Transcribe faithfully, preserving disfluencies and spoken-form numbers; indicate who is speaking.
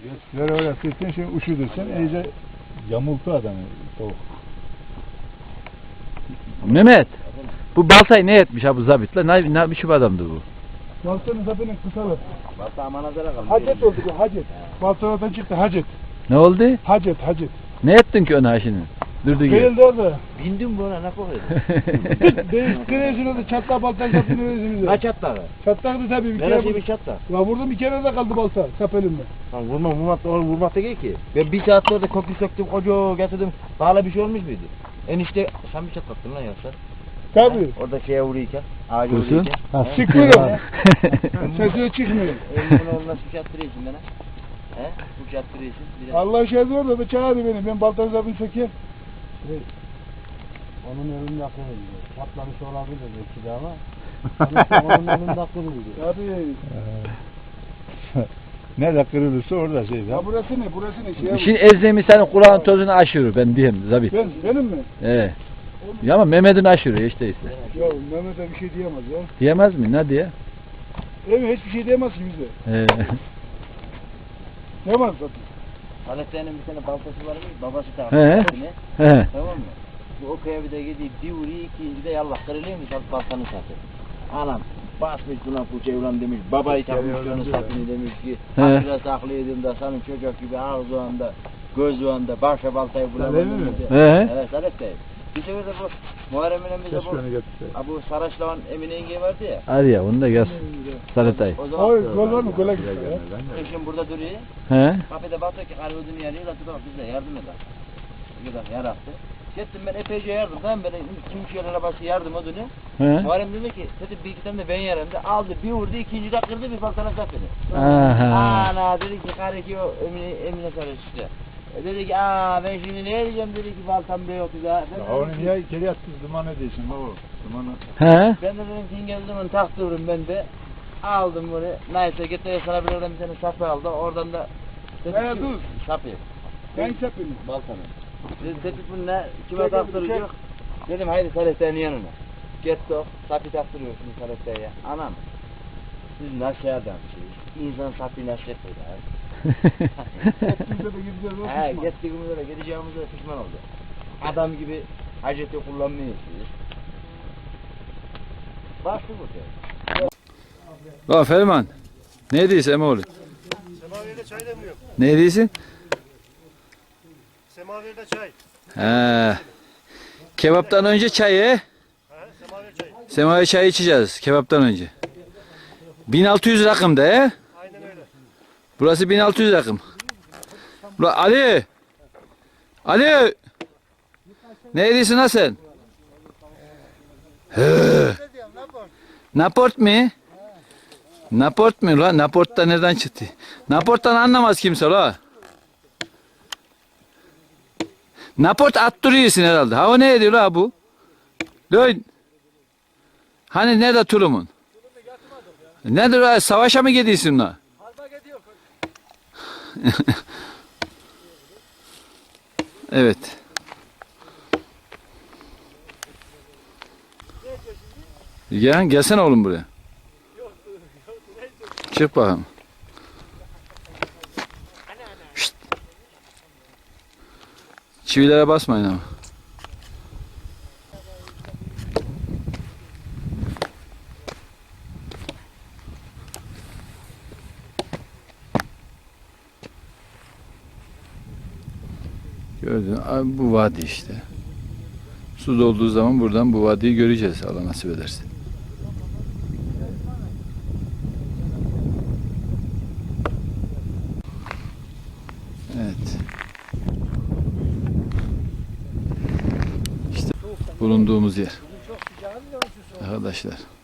Speaker 1: Ver öyle sıktın şimdi üşüdürsen iyice yamultu adamı soğuk.
Speaker 2: Mehmet, bu baltayı ne etmiş ha bu zabit la? Ne, ne biçim adamdı bu?
Speaker 1: Baltanın zabinin kısalı.
Speaker 3: Balta amanazara kaldı.
Speaker 1: Hacet oldu bu hacet. Baltalardan çıktı hacet.
Speaker 2: Ne oldu?
Speaker 1: Hacet hacet.
Speaker 2: Ne ettin ki ona şimdi? Durdu gibi.
Speaker 1: Değildi orada.
Speaker 3: Bindim buna ne koyuyordu?
Speaker 1: Değil, kreşin orada çatla baltan sapını özümüze.
Speaker 3: Kaç atladı?
Speaker 1: Çatlaktı tabii bir kere.
Speaker 3: Neresi bir çatla?
Speaker 1: La vurdum bir kere de kaldı balta sap elimde.
Speaker 3: Lan vurma vurmak da vurmak da ki. Ben bir saat orada köprü söktüm koca getirdim. Hala bir şey olmuş muydu? Enişte sen bir çatlattın lan yoksa.
Speaker 1: Tabii.
Speaker 3: Orada şeye vuruyken. Ağacı
Speaker 2: Kursun.
Speaker 3: vuruyken.
Speaker 1: Ha,
Speaker 3: He?
Speaker 1: sıkmıyor. Sesi çıkmıyor.
Speaker 3: Elimin oğluna su çattırıyorsun bana. He? Su çattırıyorsun. Bir de-
Speaker 1: Allah şey orada da çağırdı beni. Ben baltanın sapını sökeyim.
Speaker 4: Onun önünde akılıydı. Patlamış olabilir belki de ama. Sonuçta onun önünde akılıydı.
Speaker 1: Tabii.
Speaker 5: Nerede kırılırsa orada şey.
Speaker 1: Ya burası ne? Burası ne? Şey
Speaker 2: Şimdi Ezzemi senin kulağın tozunu aşırır ben diyeyim zabit.
Speaker 1: ben, benim mi?
Speaker 2: Ee. Ya ama Mehmet'in aşırıyor işte işte.
Speaker 1: Ya Mehmet'e bir şey diyemez ya.
Speaker 2: Diyemez mi? Ne diye?
Speaker 1: Evet hiçbir şey diyemez ki bize.
Speaker 2: Ee.
Speaker 1: Diyemez zaten.
Speaker 3: Alexander'in bir tane baltası var mı? Babası
Speaker 2: He.
Speaker 3: tarafı.
Speaker 2: He.
Speaker 3: Tamam mı? Bu o köye bir de gidiyor, bir vuruyor, ikinci de yallah kırılıyor mu? Baltanı satıyor. Anam basmış buna fırçayı ulan demiş, babayı takmış onu sapını demiş ki,
Speaker 2: He.
Speaker 3: hatırla saklıyordum da senin çocuk gibi ağız o anda, göz o anda, başa baltayı bulamadım.
Speaker 1: mi?
Speaker 2: He.
Speaker 3: Evet, Salep Bey. Bir sefer de bu Muharrem Emin'imizde
Speaker 1: Keşke
Speaker 3: bu,
Speaker 1: onu getirse.
Speaker 3: ha, bu Saraçlı'nın Emine yenge vardı ya.
Speaker 2: Hadi ya onu da gel. Salatay.
Speaker 3: O zaman
Speaker 1: Oy gol var mı? Gola gitti ya.
Speaker 3: eşim burada duruyor.
Speaker 2: He.
Speaker 3: Kapıda bakıyor ki karı ödünü yanıyor, atı bak bize yardım eder. Bir kadar yarattı. Gittim ben epeyce yardım, tamam böyle kim şeylere başı yardım ödünü.
Speaker 2: He.
Speaker 3: Muharrem dedi ki, dedi bir iki tane de ben yarım da aldı bir vurdu, ikinci de kırdı bir baltana sapını.
Speaker 2: Aha.
Speaker 3: Ana dedi ki karı ki o Emine, Emine Sarıç işte. E dedi ki aa ben şimdi ne edeceğim dedi ki baltam da yoktu da. Ben
Speaker 5: Ya
Speaker 3: de
Speaker 5: onu
Speaker 3: dedim ki-
Speaker 5: niye içeri attın duman ediyorsun baba? Dumanı.
Speaker 2: He.
Speaker 3: Ben de dedim ki İngilizcemin taktırırım ben de. Aldım bunu. Neyse getirdi sana bir oradan bir tane sapı aldı. Oradan da dedim
Speaker 1: Ne
Speaker 3: ki-
Speaker 1: dur?
Speaker 3: Sapı.
Speaker 1: Ben sapını.
Speaker 3: Baltanı. Dedi dedik bunu ne? Kime
Speaker 1: Çek,
Speaker 3: taktıracak?
Speaker 1: çek.
Speaker 3: Dedim haydi Salih'ten yanına. Gitti o. Sapı taktırıyorsun Salih'ten ya. Anam. Siz nasıl adamsınız? İnsan sapı nasıl yapıyor ya?
Speaker 1: Hepimize de gideceğiz. o
Speaker 3: He
Speaker 1: pişman.
Speaker 3: gittiğimizde de gideceğimizde de pişman oldu. Adam gibi haceti kullanmıyorsunuz. Başlı burada.
Speaker 2: Bak Ferman. Ne diyorsun Emoğlu?
Speaker 6: Semaver'de çay demliyor.
Speaker 2: Ne diyorsun?
Speaker 6: Semaver'de çay.
Speaker 2: He. Kebaptan önce çay he?
Speaker 6: Ha, semaver çayı.
Speaker 2: Semaver çayı içeceğiz kebaptan önce. bin altı yüz rakım da he?
Speaker 6: Aynen öyle.
Speaker 2: Burası bin altı yüz rakım. Ula Ali! Ali! Ne diyorsun ha sen? He. Naport mi? Naport mu la? Naport da nereden çıktı? Naport'tan anlamaz kimse la. Naport attırıyorsun herhalde. Ha o ne ediyor la bu? Dön. Hani nerede tulumun? Nedir la? Savaşa mı gidiyorsun la? Evet. Gel, gelsene oğlum buraya. Çık bakalım. Şşt. Çivilere basmayın ama. Gördün mü? Abi bu vadi işte. Su dolduğu zaman buradan bu vadiyi göreceğiz Allah nasip ederse. Evet. İşte bulunduğumuz yer. Arkadaşlar.